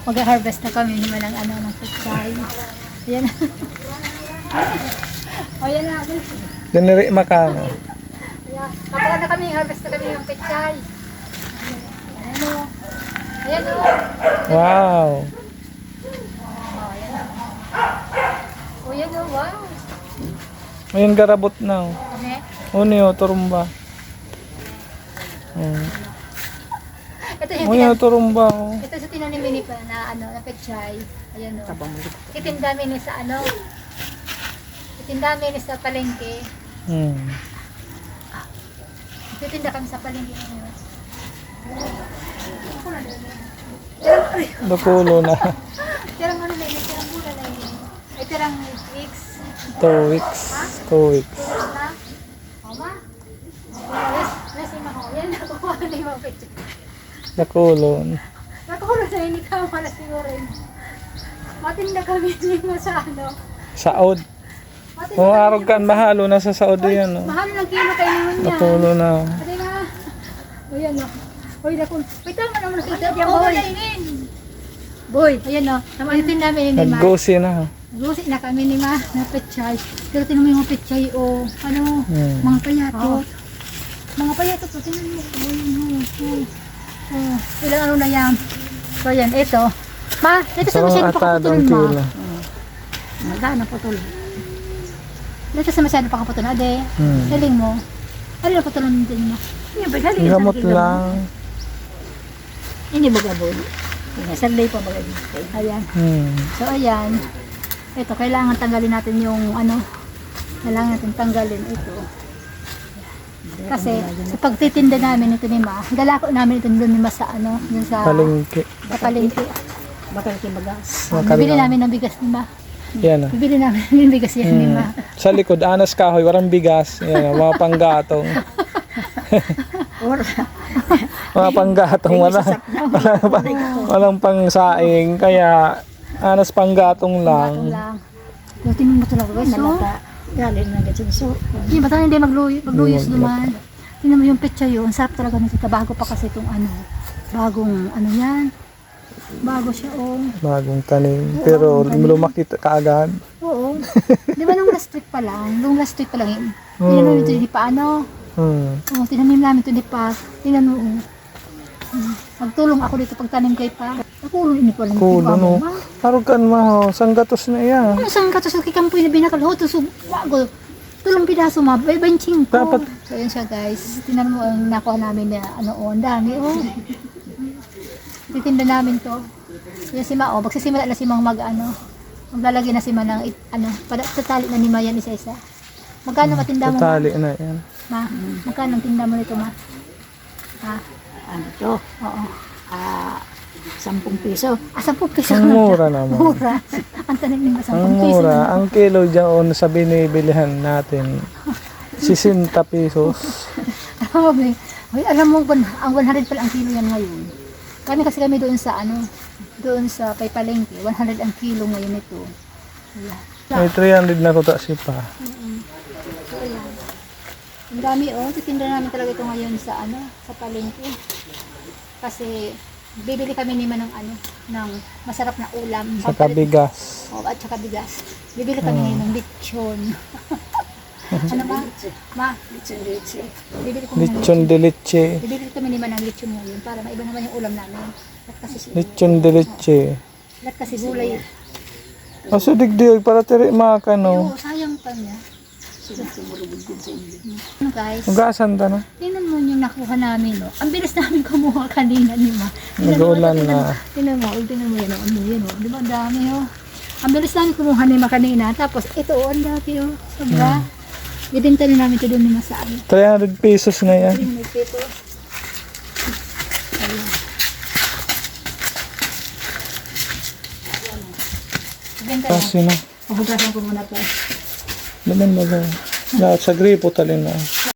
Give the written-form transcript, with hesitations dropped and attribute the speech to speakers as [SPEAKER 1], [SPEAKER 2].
[SPEAKER 1] mag-harvest na kami naman ng ano, ng pechay. Ayan. O, yan na.
[SPEAKER 2] Diniri makano.
[SPEAKER 1] Ayan. Kapag na kami, harvest na kami ng pechay. Ayan o. Ayan o.
[SPEAKER 2] Wow.
[SPEAKER 1] O, yan o. Wow.
[SPEAKER 2] Ayun garabot na.
[SPEAKER 1] Ano
[SPEAKER 2] Uni o turumba.
[SPEAKER 1] Ito yung
[SPEAKER 2] Uni o turumba.
[SPEAKER 1] ito sa tinanimini pa na ano, na pechay. Ayan o. Itindami ni sa ano. Itindami ni sa palengke. Titinda kami sa palengke ngayon.
[SPEAKER 2] Bakulo na.
[SPEAKER 1] Tirang ano na yun, tirang mula na yun. Ay, tirang weeks.
[SPEAKER 2] 2 weeks. 2 weeks.
[SPEAKER 1] Tulog na. O ma? Lasing ako. Yan, nakukuha na yung mga pechay.
[SPEAKER 2] Bakulon.
[SPEAKER 1] Nakukuha na yun, ikaw na siguro yun. Matinda kami nimo sa ano.
[SPEAKER 2] Saod.
[SPEAKER 1] Matinda
[SPEAKER 2] Kung arog kan mahalo na sa Saud yan.
[SPEAKER 1] mahal ng kilo kayo naman niya.
[SPEAKER 2] Bakulo na.
[SPEAKER 1] Ate na. O yan o. Uy, naku. Uy, tama naman nakita diyan, boy. Boy, ayan o. Tamatin namin ni Ma.
[SPEAKER 2] Naggosi na.
[SPEAKER 1] Gusit na kami ni Ma na pechay. Pero tinan mo yung mga pechay o ano, mga payatot. Mga payatot o, tinan mo. Ilang ano na yan. So yan, ito. Ma, dito sa masyado pakaputulon Ma. Magana putulon. Dito sa masyado pakaputulon. Ade, galing mo. Ano na putulon din mo?
[SPEAKER 2] Gamot lang.
[SPEAKER 1] Ini bagabon. Sarlay pa baga dito. Ayan. So ayan. Ito, kailangan tanggalin natin yung ano. Kailangan natin tanggalin ito. Kasi sa pagtitinda namin ito ni Ma, galako namin ito doon ni Ma sa ano, dun sa
[SPEAKER 2] Palengke.
[SPEAKER 1] sa palengke.
[SPEAKER 3] Bakal kibagas.
[SPEAKER 1] Bibili namin ng bigas ni Ma.
[SPEAKER 2] Yan.
[SPEAKER 1] Bibili namin ng bigas yan ni Ma.
[SPEAKER 2] Sa likod, anas kahoy, warang bigas. Yan, mga panggatong. Mga panggatong, walang pangsaing. Kaya, anas panggatong
[SPEAKER 1] Batong
[SPEAKER 2] lang.
[SPEAKER 1] lang. Yung tingin mo talaga guys, so.
[SPEAKER 3] Malata. Galing na ganyan so.
[SPEAKER 1] Yung bata hindi magluyos duman. Tingnan mo yung pechay yun. Ang sarap talaga nito. Bago pa kasi itong ano. Bagong ano yan. Bago siya oh.
[SPEAKER 2] Bagong tanim. Pero lumaki kaagad.
[SPEAKER 1] Oo. Di ba nung last week pa lang? Nung last week pa lang yun. Tingnan mo ito hindi pa ano. Oo, tinanim namin ito hindi pa. Tingnan mo oh. Magtulong ako dito pagtanim kay pa. Nakulong ini pa lang.
[SPEAKER 2] Kulo no. Harugan mo, sanggatos na iya.
[SPEAKER 1] Ano saan ka to sa kikampoy na binakalho to so wago. Tulong pidaso ma, benching ko.
[SPEAKER 2] Dapat.
[SPEAKER 1] So yun siya guys. Tingnan mo ang nakuha namin na ano oh, ang dami oh. Titinda namin to. Yan si Ma oh, magsisimula na si Mang mag ano. Maglalagay na si Ma ng ano, tatali na ni Ma yan isa-isa. Magkano matinda mo?
[SPEAKER 2] Tatali na yan.
[SPEAKER 1] Ma, magkano ang tinda mo nito Ma? Ha?
[SPEAKER 3] Ano to?
[SPEAKER 1] Oo.
[SPEAKER 3] 10 piso.
[SPEAKER 1] 10 piso.
[SPEAKER 2] Ang mura naman.
[SPEAKER 1] Mura. Ang tanim ni Ma 10
[SPEAKER 2] Ang
[SPEAKER 1] piso.
[SPEAKER 2] mura. Ang kilo dyan sa binibilihan natin, 60 pesos.
[SPEAKER 1] Grabe. Hoy, alam mo ba, ang 100 pala ang kilo yan ngayon. Kami doon sa ano, doon sa Paypalengke, 100 ang kilo ngayon ito.
[SPEAKER 2] May 300 na kuta si pa.
[SPEAKER 1] So, ayan. Ang dami oh, titinda namin talaga ito ngayon sa ano, sa palengke. Kasi bibili kami ni Ma ng ano, ng masarap na ulam.
[SPEAKER 2] Sa kabigas.
[SPEAKER 1] Oh, at saka bigas. Bibili kami ngayon ng lechon. Ano ba? Ma, bibili kami ng
[SPEAKER 2] Lechon de leche.
[SPEAKER 1] Bibili kami ni Ma ng lechon ngayon para maiba naman yung ulam namin. At kasi
[SPEAKER 2] Lechon de leche.
[SPEAKER 1] lahat kasi gulay.
[SPEAKER 2] Aso digdig para tiri makano.
[SPEAKER 1] Oo, sayang pa niya. Ano guys?
[SPEAKER 2] Ugasan ta na.
[SPEAKER 1] Tingnan mo yung nakuha namin, no? Ang bilis namin kumuha kanina ni Ma.
[SPEAKER 2] Nag-uulan na.
[SPEAKER 1] Tingnan mo yan, oh. Ano yan, oh. Di ba, ang dami, oh. Ang bilis namin kumuha ni Ma kanina. Tapos, ito, oh, ang dami, oh. Sobra. Ibinta rin namin ito doon ni Ma sa ano.
[SPEAKER 2] 300 pesos na yan.
[SPEAKER 1] Ito. Ayan. Ibenta na.
[SPEAKER 2] Kasi na.
[SPEAKER 1] Pahugasan ko muna pa.
[SPEAKER 2] Naman na. Sa gripo talin na.